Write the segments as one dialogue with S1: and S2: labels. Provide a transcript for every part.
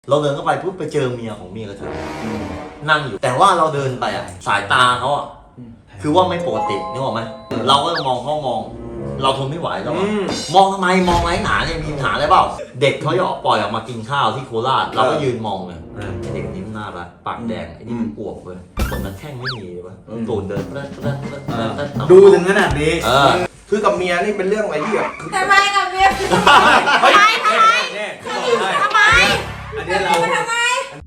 S1: เราเดินเข้าไปปุ๊บไปเจอเมียของเมียกระเทยนั่งอยู่แต่ว่าเราเดินไปอ่ะสายตาเขาอ่ะคือว่าไม่ปกตินึกออกไหมเราก็มองเขามอง เราทนไม่ไหวแล้วมองทำไมมองไรหนาเนี่ยมีปัญหาอะไรเปล่าเด็กเขาจะปล่อยออกมากินข้าวที่โคราชเราก็ยืนมองเลยเด็กนี้มันน่ารักปากแดงไอ้นี่มันอวบเลยคนนั้นแข้งไม่มีเลยวะตูนเดิน
S2: ดูถึงขนาดนี้
S3: คือกับเมียนี่เป็นเรื่องอะไรที่แบบ
S4: ทำไมกับเมียทำไมทำไมทำไม
S2: อันนี้เรา
S4: ทำไม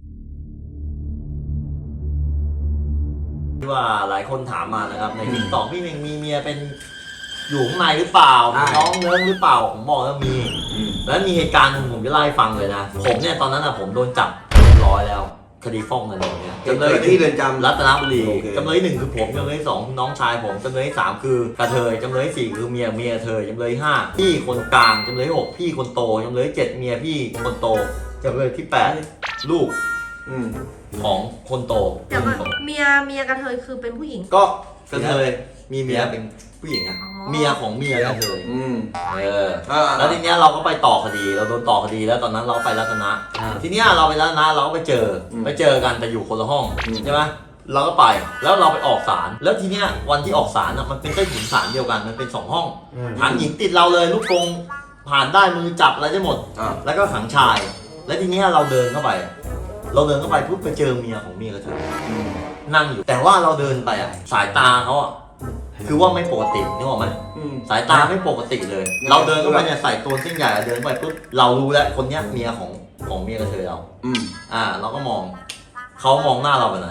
S1: ที่ว่าหลายคนถามมานะครับในติ๊กต็อกพี่เมงมีเมียเป็นอยู่ข้างในหรือเปล่าน้องเนื้อหรือเปล่าผมบอกว่ามีแล้วมีเหตุการณ์หนึ่งผมจะเล่าให้ฟังเลยนะผมเนี่ยตอนนั้นผมโดนจับเรียบร้อยแล้วคดีฟ้องเงินอย่างเงี้ย
S3: จำเลยที่เรือนจำ
S1: รัตนบุรีจำเลยหนึ่งคือผมจำเลยสองน้องชายผมจำเลยสามคือกระเทยจำเลยสี่คือเมียเธอจำเลยห้าพี่คนกลางจำเลยหกพี่คนโตจำเลยเจ็ดเมียพี่คนโตจำเลยที่แปดลูกของคนโต
S4: เดี๋ยวก่อนเมียกระเทยคือเป็นผู้หญิง
S1: ก็กระเทยมีเมียเป็นผู้หญิงอะเมียของเมียกระเทยแล้วทีเนี้ยเราก็ไปต่อคดีเราโดนต่อคดีแล้วตอนนั้นเราไปรัตนะทีเนี้ยเราไปรัตนะเราก็ไปเจอกันแต่อยู่คนละห้องใช่ไหมเราก็ไปแล้วเราไปออกศาลแล้วทีเนี้ยวันที่ออกศาลมันเป็นใต้ถุนศาลเดียวกันมันเป็น2ห้องขังหญิงติดเราเลยลูกกรงผ่านได้มือจับอะไรได้หมดแล้วก็ขังชายแล้วทีเนี้ยเราเดินเข้าไปปุ๊บไปเจอเมียของเมียกระเทยนั่งอยู่แต่ว่าเราเดินไปสายตาเขาคือว่าไม่ปกตินึกออกไหมสายตาไม่ปกติเลยเราเดินเข้าไปเนี่ยใส่ตัวเส้นใหญ่เดินไปปุ๊บเรารู้แล้วคนเนี้ยเมียของเมียกระเทยเราเราก็มองเขามองหน้าเราไปไหน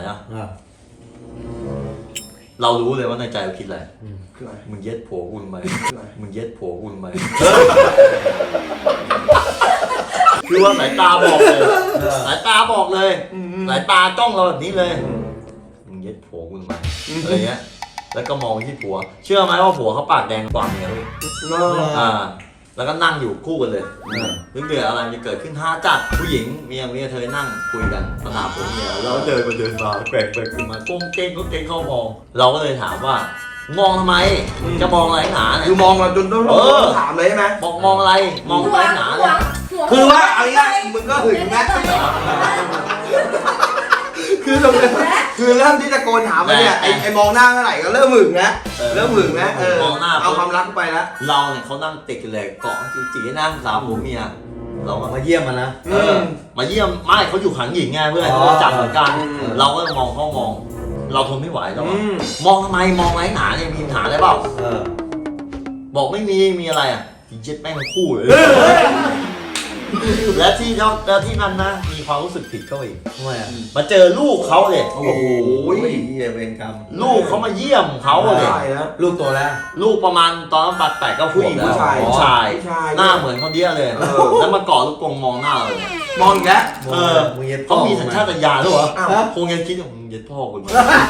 S1: เรารู้เลยว่าในใจเราคิดอะไรมึงเย็ดผัวกูทำไมมึงเย็ดผัวกูทำไมคือว่าสายตาบอกเลยสายตาจ้องเราแบบนี้เลยมึงเย็ดผัวกูทำไมอะไรเงี้ยแล้วก็มองที่ผัวเชื่อไหมว่าผัวเขาปากแดงกว่าเมียเลยแล้วก็นั่งอยู่คู่กันเลยเรื่องเดือดอะไรจะเกิดขึ้นท่าจัดผู้หญิงเมียเธอนั่งคุยกันสนามผมเมียแล้วเดินมาแปลกขึ้นมาก้มเก้งเข้ามองเราก็เลยถามว่ามองทำไมจะมองอะไรหนาเนี่ย
S3: คือมองมาจนต้องถามเลยใช่ไหม
S1: บอกมองอะไรมองอะไรหนาเลย
S3: คือว่าอะไรนะมึงก็หึงนะคือตรงนี้คือเริ่มที่ตะโกนถามมาเนี่ยไอ้มองหน้าเมื่อไหร่ก็เริ่มหึงนะ
S1: มองหน้า
S3: เอาความรักไปแล้ว
S1: เราเนี่ยเขานั่งติดกันเลยเกาะจีนั่งสาวผัวเมียเรา
S2: มาเยี่ยมมันนะ
S1: มาเยี่ยมไม่เขาอยู่ขังหญิงไงเพื่อนเขาจับเหมือนกันเราก็มองเขามองเราทนไม่ไหวแล้วมองทำไมมองไรหนาเนี่ยมีปัญหาอะไรเปล่าบอกไม่มีอะไรเจ็ดแม่งคู่เลยและที่นั่นนะมีความรู้สึกผิดเขาอีก
S2: ทำไม
S1: มาเจอลูกเขาเลย
S2: โอ้โหเวรกรรม
S1: ลูกเขามาเยี่ยมเขาเลย
S2: ลูกโตแล้ว
S1: ลูกประมาณตอนนั้น8 9 ผู้หญิงผู้ชายหน้าเหมือนเขาเดี้ยเลยแล้วมาเกาะลูกกรงมองหน้าเลย
S3: มองอีกแล้ว
S1: เขามีสัญชาตญาณหรือเปล่าคงยังคิดว่ามึงเย็ดพ่อคุณ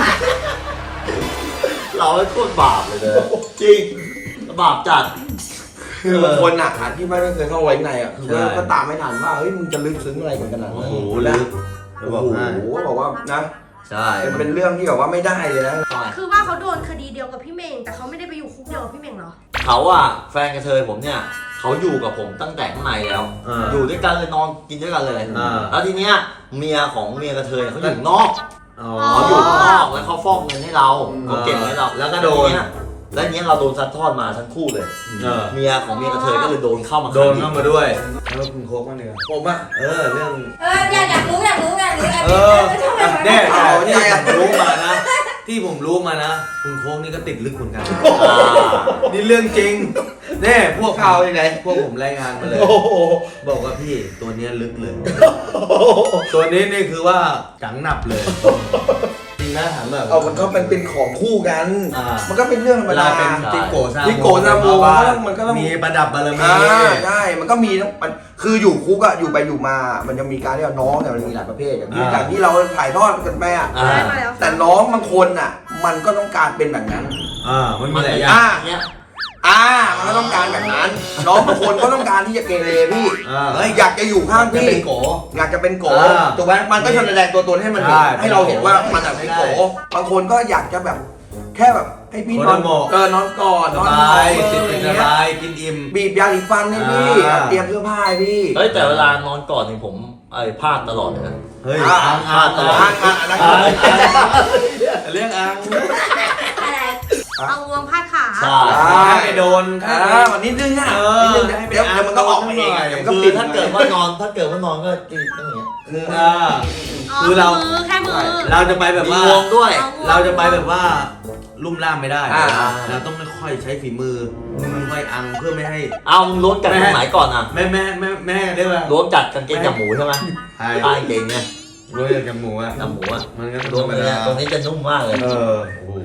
S1: เราไอ้โคตรบาปเลยจริงบาปจัด
S3: คือบางคนที่ไม่เคยเข้าไว้ในคือก็ตามไม่ทันว่าเฮ้ยมึงจะลึกซึ้งอะไรกันขนาดนั้น
S1: โอ้โหลึก
S3: บอกว่านะ
S1: ใช่
S3: เป็นเรื่องที่แบบว่าไม่ได้เลยนะ
S4: คือว่าเขาโดนคดีเดียวกับพี่เมงแต่เขาไม่ได้ไปอยู่คุกเดียวกับพี่เมงเหรอ
S1: เขาแฟนกระเทยผมเนี่ยเขาอยู่กับผมตั้งแต่ข้างในแล้วอยู่ด้วยกันเลยนอนกินด้วยกันเลยแล้วทีเนี้ยเมียของเมียกระเทยเขาอยู่นอกเขาอยู่ข้างนอกแล้วเขาฟอกเงินให้เราเขาเก็บให้เราแล้วก็โดนแล้วเนี้ยเราโดนซัดทอดมาทั้งคู่เลยเมียของเมียกระเทยก็เลยโดนเข้ามา
S2: ด้วยแล้วคุณโค้กมาเนี่ย
S3: ผม
S2: เรื่อง
S4: อยากรู้เนี่ย
S2: รู้มานะที่ผมรู้มานะคุณโค้กนี่ก็ติดลึกเหมือนกันนี่เรื่องจริงเนี่ยพวกข่าวไหนพวกผมรายงานมาเลยบอกว่าพี่ตัวนี้ลึกเลยตัวนี้นี่คือว่าจังหนับเลยจริงนะถามแบบ
S3: มันก็เป็นของคู่กันมันก็เป็นเรื่องธรรมดา
S2: เป็นจิโกซาโม
S3: มันก็ต้อง
S2: มีประดับบารมี
S3: ใช่มันก็มีมันคืออยู่คุกอยู่ไปอยู่มามันจะมีการที่น้องเนี่ยมันมีหลายประเภทอย่างที่เราถ่ายทอดกันไปแต่น้องบางคนมันก็ต้องการเป็นแบบนั้น
S2: มันมีหลายอย่าง
S3: มันก็ต้องการแบบนั้นน้องบางคนก็ต้องการที่จะเกเรพี่อยากจะอยู่ข้างพี่อยากจะเป็นโกถูกไหมมันก็จะแสดงตัวตนให้มันเห็นให้เราเห็นว่ามันเป็นโกบางคนก็อยากจะแบบแค่แบบให้พี่นอนนอนก่อนนอน
S2: ติดเป็นอะไรกินอิ่ม
S3: บีบยาสีฟันให้พี่เตรียมเสื้อผ้าให้พี่
S1: แต่เวลานอนก่อนนี่ผมพลาดตลอดเลยนะ
S2: เฮ้ย
S1: พลาดตลอด
S2: เรื่องอัง
S5: อะไรเอางวงพาดขา
S1: ใช่
S2: ไปโดน
S3: วันนี้นึงอ่ะนิดนึงเดี๋ยวมันก็ออกมาเองมันก็
S1: คือ
S3: ปิด
S1: ถ้าเกิดว่านอนก็ตีต้องอย่างเงี้ย
S2: คือเรา
S5: มือแค่มือ
S2: เราจะไปแบบ
S1: มี
S2: ว่าง
S1: วงด้วย
S2: เราจะไปแบบว่าลุ่มล่ามไม่ได้
S1: เรา
S2: ต้องค่อยๆใช้ฝีมือค่อยๆอังเพื่อไม่ให้
S1: เอามึงล้วงจากตรงไหนก่อนอ่ะ
S2: แม่ได้ไหม
S1: ล้วงจากกางเกงจับหมูใช่ไหม
S2: ใช่
S1: ใต้กางเกงเนี่ย
S2: รู้จากจมูกอ่ะ
S1: จับหมูอ่ะ
S2: มันก็
S1: ล้วงไปเนี่ยตรงนี้จะนุ่มมากเลย
S2: โอ้โห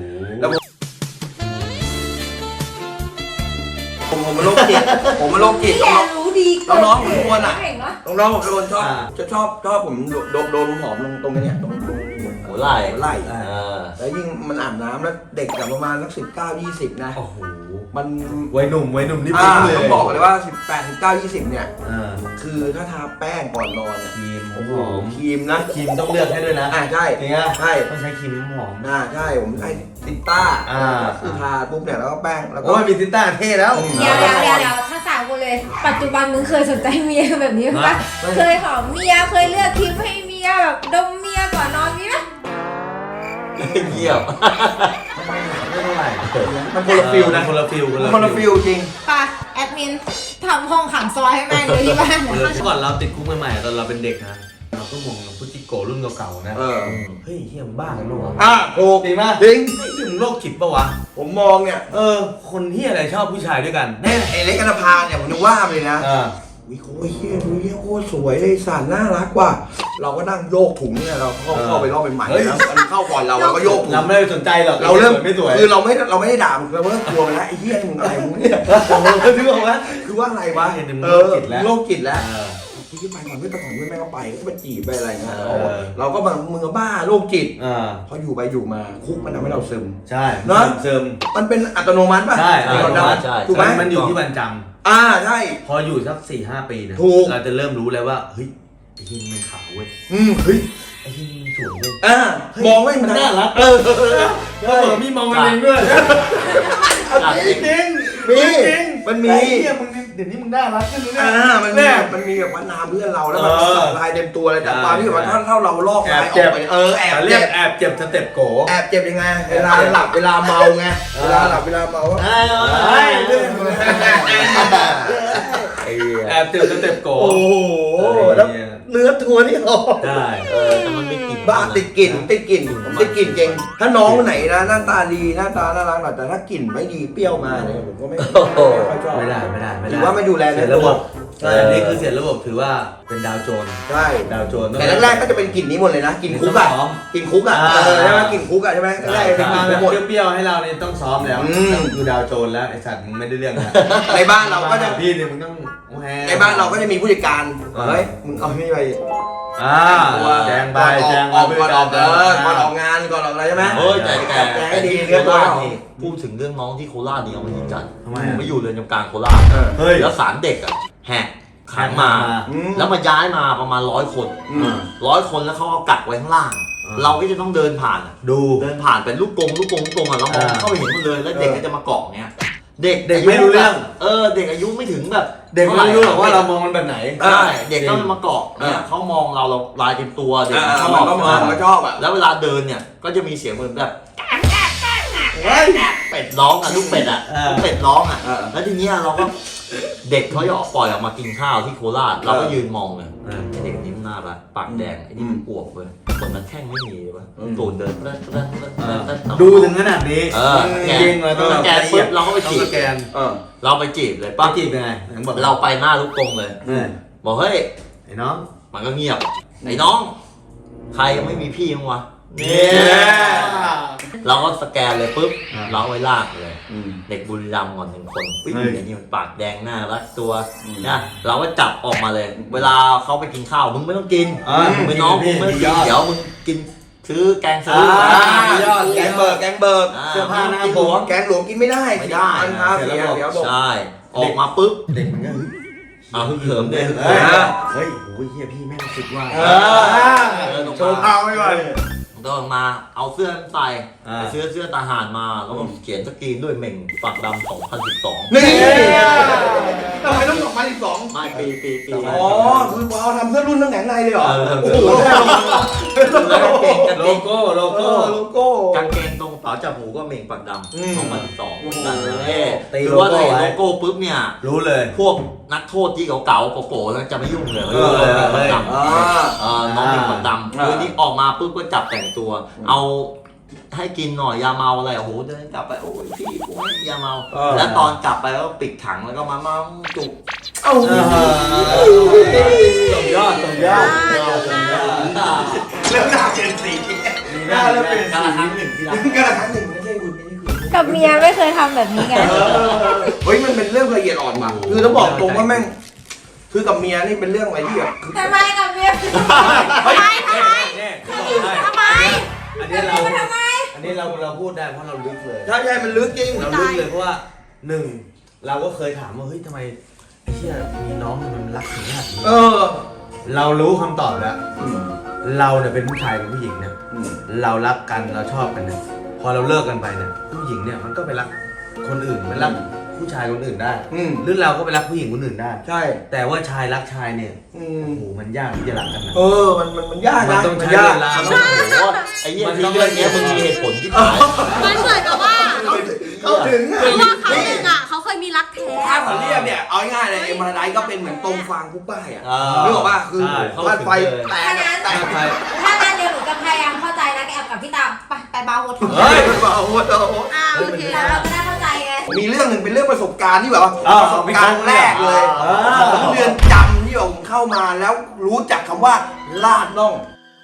S3: ผมมาโรคจิต
S5: พี่รู้ดี
S3: น้องผมทุกคนอ่ะ
S5: เก่งเนาะ
S3: น้องผมทุกคนชอบผมโดนหอมตรงนี้ตรง
S1: หัวไหล่
S3: ไหล่
S1: เ
S3: แล้วยิ่งมันอาบน้ำแล้วเด็กแบบประมาณสัก19-20นะ
S2: โอ้โห
S3: มัน
S2: วัยหนุ่มนี่ปิ๊งเลย
S3: ต้องบอกเลยว่า18-19-20เนี่ย
S2: อ่า
S3: คือถ้าทาแป้งก่อนนอนเนี่ย
S2: ครีม
S3: โอ้โห
S2: หอม
S3: ครีมนะ
S2: ครีมต้องเลือกให้ด้วยนะ
S3: ใช่
S2: จริงอ่ะ
S3: ใช่
S2: ต้องใช้ครีมหอม
S3: ใช่ผมใช้ติต้า คือทาปุ๊บเนี่ยแล้วก็แป้งแล้วก็
S2: โอ้ยมีติต้าเท่แล้ว
S5: เดี๋ยวทั้งสามคนเลย ปัจจุบันมึงเคยสนใจเมียแบบนี้ปะเคยหอมเมียเคยเลือกครีมให้เมียแบบดมเมียก่อนนอนมีไหม
S1: เยี่ยม
S2: ไม่เท่าไหร่
S3: มันคนละฟิลนะ
S2: คนละฟิล
S3: คนละฟิลจริง
S5: ป่ะแอดมินทำห้องขังซอยให้แม่งเลยที่บ้าน
S2: เมื่อก่อนเราติดคุกใหม่ๆตอนเราเป็นเด็กนะเราก็มองพุจิโกรุ่นเก่าๆนะเฮ้ยเฮียมบ้ากันปะวะ
S3: ถูก
S2: จริงป่ะ
S3: จริง
S2: ถึงโรคจิตปะวะ
S3: ผมมองเนี่ย
S2: คนเฮียอะไรชอบผู้ชายด้วยกัน
S3: แน่ไอ้เล็กอนาภาเนี่ยผมนึกว่าเลยนะ
S2: อ่า
S3: วิโอ้ยเฮียดูเฮียโคตรสวยเลยสันน่ารักว่ะเราก็นั่งโยกถุงเนี่ยเราเข้าไปรอบใหม่ๆแล้วมันเข้าก่อนเราก็โยกถุง
S2: เราไม่ได้สนใจหรอก
S3: เราเริ่ม
S2: ไม่สวย
S3: คือเราไม่ได้ด่ามันเราเริ่มกลัวไปแล้วไอ้เฮียมึงอะไรมึงเนี่ย
S2: นึกออกไหม
S3: คือว่าอะไรวะ
S2: โรคจิตแล้ว
S3: โรคจิตแล้วที่ไปก่อนไม่ไปก่อนไม่แม่ก็ไปก็ไปจีบไปอะไรเงี้ยเราก็แบบมึงบ้าโรคจิตพออยู่ไปอยู่มาคุกมันทำให้เราซึม
S2: ใช่
S3: เนอะ
S2: เสริม
S3: มันเป็นอัตโนมัติป่ะ
S2: ใช่
S3: ถูกไหม
S2: มันอยู่ที่วันจ
S3: ใช่
S2: ำพออยู่สัก 4-5 ปีนะ
S3: ถูก
S2: เราจะเริ่มรู้แล้วว่าเฮ้ยไอ้ที่มันขาวเว้ย
S3: เฮ้ย
S2: ไอ้ที่มันสวยเว้ย
S3: มองไม่มันน่ารัก
S2: มีมองกันเองด้วย
S3: จริงมันมี
S2: เดี๋ยวนี้มึงน่ารักขึ้นเลย
S3: มันมีแบบว่านามเพื่อนเราแล้วมันสักลายเต็มตัวเลยแต่ความที่แบบว่าถ้าเราลอกลายออกไปแอบ
S2: เรี
S3: เจ็
S2: ยก
S3: บ
S2: แอบเจ็บสเต็ปโก
S3: แอบเจ็บยังไงเวลาหลับเวลาเมาไงเวลาหลับเวลาเมา
S2: แอบเจ็บสเต็ปโก
S3: โอ้โหแล้วเนื้อตัวนี่หอม
S2: ได้
S1: แต่มันไม่กลิ่น
S3: บ้าติดกลิ่นจริงถ้าน้องไหนนะหน้าตาดีหน้าตาน่ารักหน่อยแต่ถ้ากลิ่นไม่ดีเปรี้ยวมาเนี่ยผมก็ไม่ค่อยชอบ
S2: ไม่ได้
S3: หรือว่าไม่ดูแล
S2: เสียระบบอันนี้คือเสียระบบถือว่าเป็นดาวโจร
S3: ใช่
S2: ดาวโจร
S3: แต่แรกๆก็จะเป็นกลิ่นนี้หมดเลยนะกลิ่นคุกอ่ะกลิ่นคุกอ่ะใช่ไหมกลิ่นคุกอ่ะใช่ไหมแรกๆ
S2: เป็
S3: เป็น น
S2: มา
S3: มา
S2: แบบ
S3: หมด
S2: เปรี้ยวๆให้เราเนี่ยต้องซ้อมแล้วคือดาวโจรแล้วไอสัตว์มึงไม่ได้เรื่องนะ
S3: ในบ้านเราก็จะ
S2: พี่เนี่ยมึงต้อง
S3: ในบ้านเราก็จะมีผู้จัดการเฮ้ยมึงเอาไม่ไป
S2: แจงไปแจง
S3: ก่อนออกก่อนออกงานก่อนออกอะไรใช่ไหม
S1: เฮ้ยแต่
S3: แจงให้ดีเรียบร้อย
S1: พูดถึงเรื่องน้องที่โคราชนี่เอามายิงกัน
S2: ทำไม
S1: ไปอยู่เรือนจำกลางโคราช
S2: เฮ้ย
S1: แล้วศาลเด็กอ่ะแหกขังมา แล้วมาย้ายมาประมาณ100 คน100 คนแล้วเขาเอากักไว้ข้างล่าง เราก็จะต้องเดินผ่านเดินผ่านเป็นลูกกงอ่ะแล้วมองเข้าไปเห็นหมดเลยแล้วเด็กก็จะมาเกาะเนี้ยเด็ก
S2: ไม่รู้เรื่อง
S1: เด็กอายุไม่ถึงแบบ
S2: เด็กไม่รู้หรอกว่าเรามองมันแบบไหน
S1: ใช่เด็กก็มาเกาะเนี่ยเขามองเราลายเต็มตัวเด็ก
S3: เขา
S1: ชอบ
S3: ก็มาเขาชอบอ่ะ
S1: แล้วเวลาเดินเนี่ยก็จะมีเสียงเหมือนแบบเป็ดร้องอ่ะลูกเป็ดอ่ะลูกเป็ดร้องอ่ะแล้วทีเนี้ยเราก็เด็กเขาจะออกปล่อยออกมากินข้าวที่โคราชเราก็ยืนมองเลยไอ้เด็กนี้มันหน้าปากแดงไอ้นี่มันอวบเลยคนมันแข้งไม่มีเลยวะตูนเดิน
S2: ดูถึงขนาดนี้
S1: จริงเลยต้องสแกนปุ๊บเราก็ไปจีบ
S2: สแกน
S1: เราไปจีบเลย
S2: ป้า
S1: ปั๊บ
S2: จีบยังไงบอก
S1: เราไปหน้าลูกกงเลยบอกเฮ้ย
S2: ไอ้น้อง
S1: มันก็เงียบไอ้น้อง ใครยังไม่มีพี่มั้งวะเนี่ยเราก็สแกนเลยปุ๊บเราเอาไว้ลากเลยเด็กบุรีรัมย์ก่อน1 คนวิ่งอย่างนี้มันปากแดงหน้ารักตัวนะเราก็จับออกมาเลย เวลาเขาไปกินข้าวมึงไม่ต้องกินมึงไปน้องมึงไม่ต้องกินเดี๋ยวมึงกินซื้อแกงซื้อ
S3: ยอดแกงเบิร์ก
S2: เสื้อผ้าหน้า
S3: กิน
S2: ผ
S3: หลว
S2: ม
S3: งแกงหลวงกินไม่ได้
S1: ไม่ได้
S3: มันพาเสียบอก
S1: ใช่ออกมาปุ๊บ
S2: เด็กมันก็
S1: เอาเขิมเด็ก
S2: เฮ้ยโอ้ยเฮียพี่แม่งสุดว่า
S3: โชว์เท้าไม่ไหว
S1: มันก็มาเอาเสื้อใส่ไปซื้อเสื้อทหารมาแล้วก็เขียนสกรีนด้วยเหม่งฝักดำ2012
S3: นี่ทำไมต้อง2012
S1: ไม่ปี
S3: อ๋อคือเอาทำเสื้อรุ่นน้ำแข็งในเลยเหรอโอ้โห
S2: โลโก้โลโก้
S1: กางเกงตรงกระเป๋าจับหูก็เหม่งฝักดำ2012นั่นเลย
S2: ตี
S1: คือ
S2: โล
S1: ว่า
S2: โก้
S1: ใน
S2: ไว้
S1: โลโก้ปุ๊บเนี่ย
S2: รู้เลย
S1: พวกนักโทษที่เก่าๆโป๋ๆแล้วจะไม่ยุ่งเลยฝักดำน้องเหม่งฝักดำคือนี่ออกมาปุ๊บก็จับแต่งตัวเอาให้กินหน่อยยาเมาอะไรโอ้โหเดินกลับไปโอ้ยพี่กูไม่ยาเมาแล้วตอนกลับไปก็ปิดถังแล้วก็มาจุก
S3: เอ้า
S2: สมยอด
S3: เริ่มหน้าเปลี่ยนสีหน้าเริ่มเปลี่ยน
S1: การ
S3: สี
S1: ละครั้งหนึ่งที่รัก
S3: กระครั้งหนึ่งไม่ใช่คุณ
S5: กับเมียไม่เคยทำแบบนี้ไง
S3: เฮ้ยมันเป็นเรื่องละเอียดอ่อนว่ะคือต้องบอกตรงว่าแม่งคือกับเมียนี่เป็นเรื่องอะไรที่แบบ
S5: ทำไมกับเมียทำไมอันนี้
S2: เราพูดได้เพราะเราลึกเลย
S3: ใช่มันลึกจริง
S2: เราลึกเลยเพราะว่าหนึ่งเราก็เคยถามว่าเฮ้ยทำไมไอ้เชี่ยมีน้องมันรักถึงขนาดนี้เรารู้คำตอบแล้วเราเนี่ยเป็นผู้ชายกับผู้หญิงเนี่ยเรารักกันเราชอบกันเนี่ยพอเราเลิกกันไปเนี่ยผู้หญิงเนี่ยมันก็ไปรักคนอื่นมันรักผู้ชายคนอื่นได้หรือเราก็ไปรักผู้หญิงคนอื่นได้
S3: ใช่
S2: แต่ว่าชายรักชายเนี่ยโอ้โหมันยากที่จะรักกันนะ
S3: มันยากนะ
S2: มันต้องใช้เวลา
S1: โอ้โหไอ้เหี้ยที่เรื่องนี้มึงมีเหตุผลที่ตาย
S4: มันเหมือนกับว่า
S3: เข้าถึง
S4: เพราะว่าเขาหนึ่งอ่ะเขาเคยมีรักแท้
S3: ถ้าเขาเรียกเนี่ยเอาง่ายๆเลยเอ็มพาราไดซ์ก็เป็นเหมือนตรงฟางผู้ป้ายอ่ะนึกออกป่ะคือบ้านไฟแตก
S5: ถ้างั้นเดี๋ยวหนูจะพยายามเข้าใจนะแกแอบกับพี่ตามไปบาร์โฮส
S3: เฮ้ยเบาโ
S4: โอเค
S5: แล้วเราจะได้เข้าใจไง
S3: มีเรื่องหนึ่งเป็นเรื่องประสบการณ์ที่แบบว่าประสบการณ์แรกเลยของเรือนจำที่ผมเข้ามาแล้วรู้จักคำว่าลาดน่อง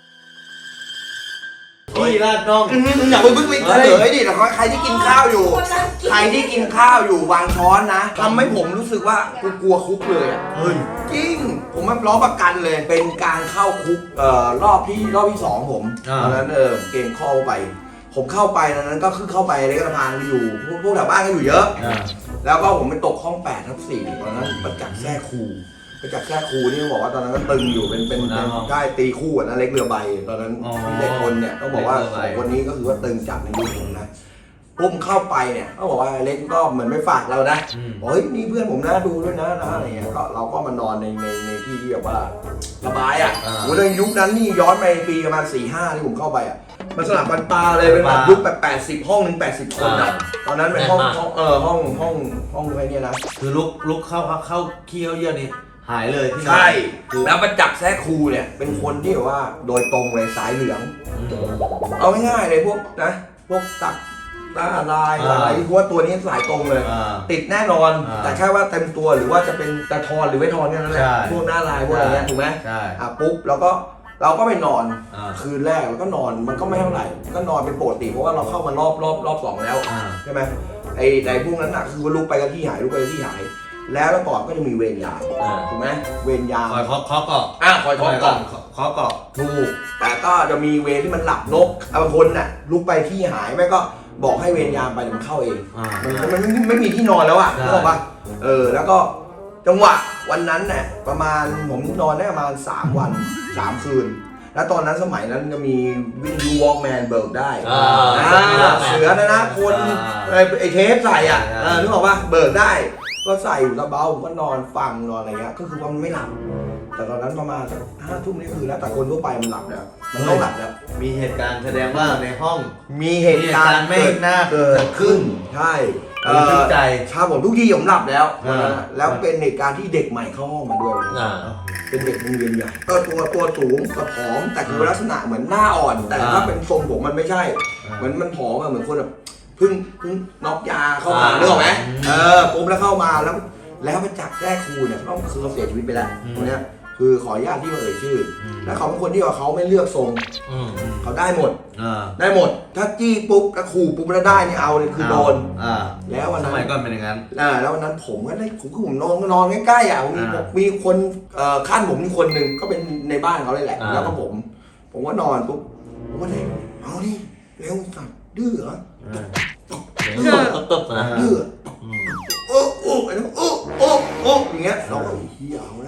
S2: พี่ลาดน้อง
S3: อย่าเพิ่งไปเฉลยดิแต่ใครที่กินข้าวอยู่ใครที่กินข้าวอยู่วางช้อนนะทำให้ผมรู้สึกว่ากูกลัวคุกเลยอ่ะ
S2: เฮ้ย
S3: จริงผมไม่ร้องประกันเลยเป็นการเข้าคุกรอบที่สองผมตอนนั้นเกมเข้าไปผมเข้าไปตอนนั้นก็คือเข้าไปในกระพานอยู่พวกแถวบ้านก็อยู่เยอะแล้วก็ผมไปตกห้อง8/4ตอนนั้นประจักษ์แท้ครูนี่บอกว่าตอนนั้นก็ตึงอยู่เป็นได้ตีคู่นะเล็กเรือใบตอนนั้นพี่เด็กคนเนี่ยก็บอกว่าคนนี้ก็คือว่าตึงจัดในยุคผมนะผมเข้าไปเนี่ยก็บอกว่าเล็กก็เหมือนไม่ฝากเรานะบอกเฮ้ยนี่เพื่อนผมนะดูด้วยนะอะไรเงี้ยก็เราก็มานอนในที่ที่แบบว่าระบายอ่ะโหในยุคนั้นนี่ย้อนไปปีประมาณ4-5ที่ผมเข้าไปอ่ะมันสลับกันตาเลยเป็นแบบยุคแบบ80ห้องนึง80คนอ่ะตอนนั้นเป็นห้องอะไรเนี่ยนะ
S2: คือลุกเข้าขี้เยี่ยวนี่หายเลยที่
S3: ใช่แล้วประจักษ์แท้ครูเนี่ยเป็นคนที่แบบว่าโดยตรงเลยสายเหลืองเอาง่ายๆเลยพวกตักหน้าลายอะไรเพราะว่าตัวนี้สายตรงเลยติดแน่นอนแต่แค่ว่าเต็มตัวหรือว่าจะเป็นตะทอนหรือไม่ทอนแค่นั้นแหละพวกหน้าลายพวกอะไรเงี้ยถูกไหมปุ๊บแล้วก็เราก็ไปนอนคืนแรกแล้วก็นอนมันก็ไม่เท่าไหร่ก็นอนเป็นปกติเพราะว่าเราเข้ามารอบสองแล้วใช่ไหมไอ้พวกนั้นน่ะคือว่าลุกไปก็ที่หายแล้วก่อนก็จะมีเวรยามถูกไหมเวรยาม
S2: คอยเคาะก่อน
S3: คอยเคาะก่อนถูกแต่ก็จะมีเวรที่มันหลับนกบางคนน่ะลุกไปที่หายแม่ก็บอกให้เวรยามไปเดี๋ยวมันเข้าเองมันไม่มีที่นอนแล้วอ่ะเข้าป่ะแล้วก็จังหวะวันนั้นเนี่ยประมาณผมนอนได้ประมาณ3 วัน 3 คืนแล้วตอนนั้นสมัยนั้นจะมีวิทยุวอล์กแมนเบิกได้เสือนะคนไอเทปใส่อ่ะนึกออกป่ะเบิกได้ก็ใส่อยู่ระเบ้าก็นอนฟังนอนอะไรเงี้ยก็คือว่ามันไม่หลับแต่ตอนนั้นประมาณ5 ทุ่มนี่คือแล้วแต่คนทั่วไปมันหลับแล้วมันต้องหลับแล้ว
S2: มีเหตุการณ์แสดงว่าในห้อง
S3: มีเหตุการณ์
S2: ไม่น่าเกิดขึ้น
S3: ใช่
S2: ทึกใจ
S3: ชาผมทุกทีผมหลับแล้วแล้วเป็นเหตุการณ์ที่เด็กใหม่เข้าห้องมาด้วยเป็นเด็กโรงเรียนใหญ่ก็ตัวสูงกระผอมแต่คือลักษณะเหมือนหน้าอ่อนแต่ถ้าเป็นทรงผมมันไม่ใช่เหมือนมันผอมเหมือนคนแบบเพิ่งน็อกยาเข้ามาเรื่องไหมปุ๊บแล้วเข้ามาแล้วไปจับแรกครูเนี่ยต้องคือเขาเสียชีวิตไปแล้วตรงนี้คือขออนุญาตที่มาเอ่ยชื่อแล้วเขาเป็นคนที่ว่าเขาไม่เลือกทรงเขาได้หมดถ้าจี้ปุ๊บแล้วขู่ปุ๊บแล้วได้นี่เอาเลยคือโดนแล้ววันนั้น
S2: สมัยก่อนเป็นอย่างนั้น
S3: แล้ววันนั้นผมก็ได้ผมนอนใกล้ๆอ่ะมีคนขั้นผมมีคนหนึ่งก็เป็นในบ้านเขาเลยแหละแล้วก็ผมก็นอนปุ๊บผมก็เลยเอาดิเร็วสัตว์ดื้อเหรอ
S1: ตึ๊บนะ
S3: ดื้อไอ้นั่นอย่างเงี้ยเราก็เฮียเอาได้สัตว์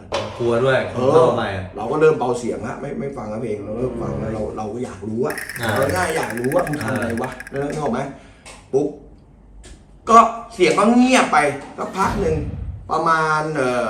S2: กลัวด้วย
S3: ใหม่เราก็เริ่มเบาเสียงฮะไม่ฟังเพลงเราเริ่มฟังแล้วเราก็อยากรู้อะเราง่ายอยากรู้ว่ามึงทำอะไรวะแล้วนึกออกไหมปุ๊บก็เสียงก็เงียบไปสักพักหนึ่งประมาณ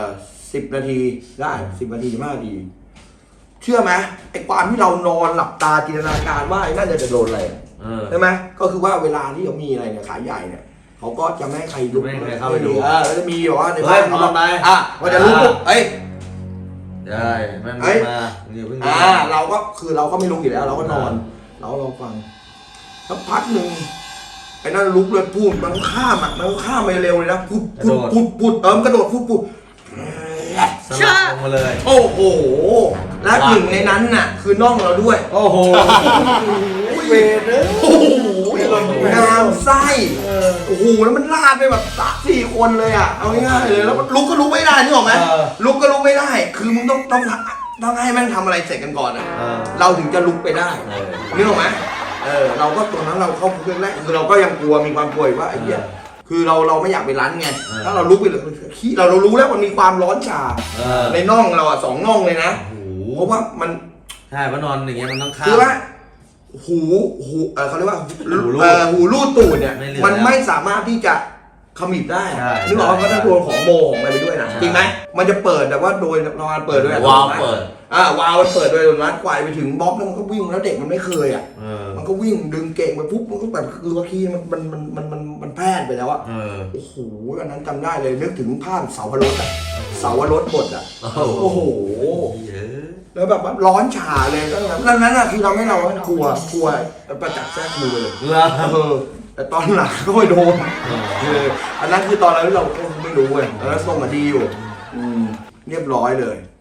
S3: 10 นาทีได้10 นาที15 นาทีเชื่อไหมไอ้ความที่เรานอนหลับตาจินตนาการว่าไอ้นั่นจะโดนอะไรใช่ไหมก็คือว่าเวลาที่เขามีอะไรเนี่ยขายใหญ่เนี่ยเขาก็จะไม่ให้ใครลุก
S2: ไม่ให้ใครเข้าไปดู
S3: แล้วจะมีแบบว่าในบ้านเขา
S2: นอนไป
S3: ว่าจะลุกเอ้ย
S2: ได้ไม่มาเดี๋ยวเพิ่ง
S3: เราก็คือเราก็ไม่ลุกอยู่แล้วเราก็นอนเราฟังสักพักหนึ่งไอ้นั่นลุกเลยพูดมันข้ามไปเร็วเลยนะพูดมันกระโดดพูด
S2: สลับลงมาเลย
S3: โอ้โหและหนึ่งในนั้นน่ะคือน้องเราด้วย
S2: โอ้โหเวรเลย
S3: โอ้โหงามไส้โอ้โหแล้วมันลาดไปแบบ3-4 คนเลยอ่ะเอาง่ายๆเลยแล้วลุกก็ลุกไม่ได้นึกออกไหมลุกก็ลุกไม่ได้คือมึงต้องให้แม่งทำอะไรเสร็จกันก่อนอ่ะเราถึงจะลุกไปได้นึกออกไหมเราก็ตอนนั้นเราเข้าเครื่องแรกคือเราก็ยังกลัวมีความกลัวว่าไอ้เหี้ยคือเราไม่อยากไปรั้นไงถ้าเราลุกไปเลยขี้เรารู้แล้วมันมีความร้อนชาในน่องเราอ่ะ2 น่องเลยนะเพราะว่ามัน
S2: ใช่เพราะนอนอย่างเงี้ยมันต้องข้าม
S3: คือว่าหูเขาเรียกว่าหูรูดตูดเนี่ยมันไม่สามารถที่จะขมิบได้นึกออกว่าถ้าโดนของโมของอะไรไปด้วยนะจริงไหมมันจะเปิดแต่ว่าโดยนอนเปิดด้วย
S1: วาล์วเปิด
S3: วาล์วมันเปิดโดยอัตโนมัติกวายไปถึงบล็อกแล้วมันก็วิ่งแล้วเด็กมันไม่เคยอ่ะมันก็วิ่งดึงเก่งไปปุ๊บมันก็แบบคือว่าขี้มันแพร่ไปแล้วอ่ะโอ้โหอันนั้นจำได้เลยนึกถึงภาพเสาวรสอ่ะเสาวรสบดอ่ะโอ้โหแล้วแบบร้อนฉ่าเลยแล้วนั้นอ่ะคือทำให้เรากลัวประจักษ์แท้ครูเลยแต่ตอนหลังก็ไม่โดนอันนั้นคือตอนนั้นเราก็ไม่รู้เว้ยแล้วส่งมาดีอยู่เรียบร้อยเลย